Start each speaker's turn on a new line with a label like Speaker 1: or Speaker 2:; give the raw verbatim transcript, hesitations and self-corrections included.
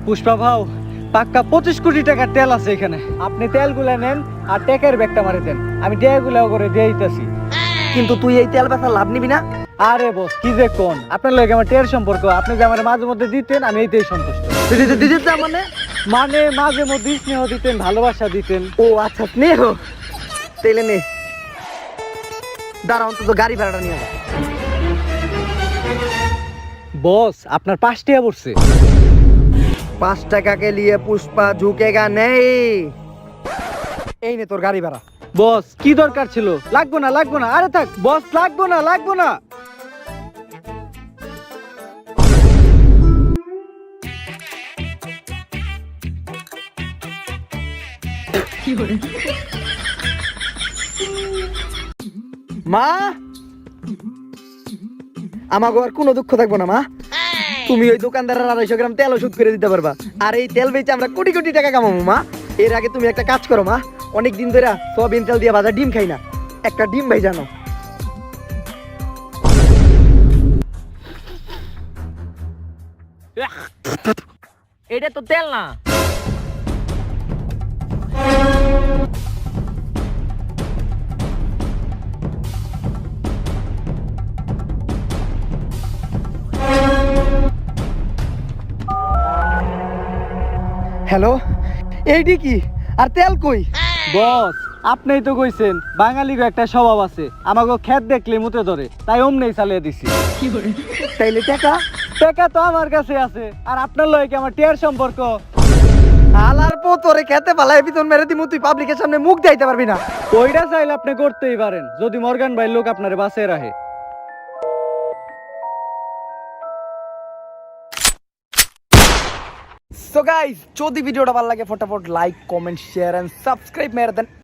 Speaker 1: পুষ্পা ভাও, পাক্কা পঁচিশ কোটি টাকার তেল আছে এখানে। আপনি তেলগুলা নেন আর টেকের ব্যাগটা মারে দেন, আমি টেগুলা করে দিয়ে দিতেছি।
Speaker 2: কিন্তু তুই এই তেল বেচা লাভ নিবি না?
Speaker 1: আরে বস কি যে কোন, আপনার লগে আমার টের সম্পর্ক, আপনি যে আমার মাঝে মধ্যে দিতেন আমি এইটাই সন্তুষ্ট।
Speaker 2: দিদি দিদি তা মানে?
Speaker 1: মানে মাঝে মধ্যে স্নেহ দিতেন, ভালোবাসা দিতেন।
Speaker 2: ও আচ্ছা, স্নেহ। তেলে নে, দাঁড়া অন্তত গাড়ি ভাড়াটা নিয়ে যা।
Speaker 1: বস আপনার পাঁচ টাকা পড়ছে।
Speaker 2: পাঁচ টাকা কে লিয়ে পুষ্পা ঝুঁকেগা নেই। এই নে তোর গাড়ি ভাড়া।
Speaker 1: বস কি দরকার ছিল? লাগবো না লাগবো না, আরে থাক বস, লাগবো না লাগবো না।
Speaker 2: মা, আমাকে আর কোনো দুঃখ থাকবো না মা। তুমি ওই দোকানদারের আড়াইশো গ্রাম তেল ওষুধ করে দিতে পারবা, আর এই তেল বেচে আমরা কোটি কোটি টাকা কামাবো মা। এর আগে তুমি একটা কাজ করো মা, অনেক দিন ধরে সয়াবিন তেল দিয়ে ভাজা ডিম খাই না, একটা ডিম ভাই জানো।
Speaker 3: এটা তো তেল না।
Speaker 2: হ্যালো, এইটি কি? আর তেল কই?
Speaker 1: বস আপনিই তো কইছেন বাঙালির একটা স্বভাব আছে, আমাকে খেত দেখলে মুতে ধরে, তাই অমনেই চালিয়ে দিছি।
Speaker 2: তাইলে টাকা?
Speaker 1: টাকা তো আমার কাছে আছে, আর আপনার লয় কি আমার টের সম্পর্ক?
Speaker 2: আলার পো তোরে খেতে পালাই বিতন মেরে দিমু, তুই পাবলিকের সামনে মুখ দেখাইতে পারবি না।
Speaker 1: ওইটা চাইলে আপনি করতেই পারেন, যদি মর্গান ভাই লোক আপনারে বাঁচিয়ে রাখে।
Speaker 2: সো গাইস, যদি ভিডিওটা ভালো লাগে ফটাফট like comment share and subscribe মেরে দেন।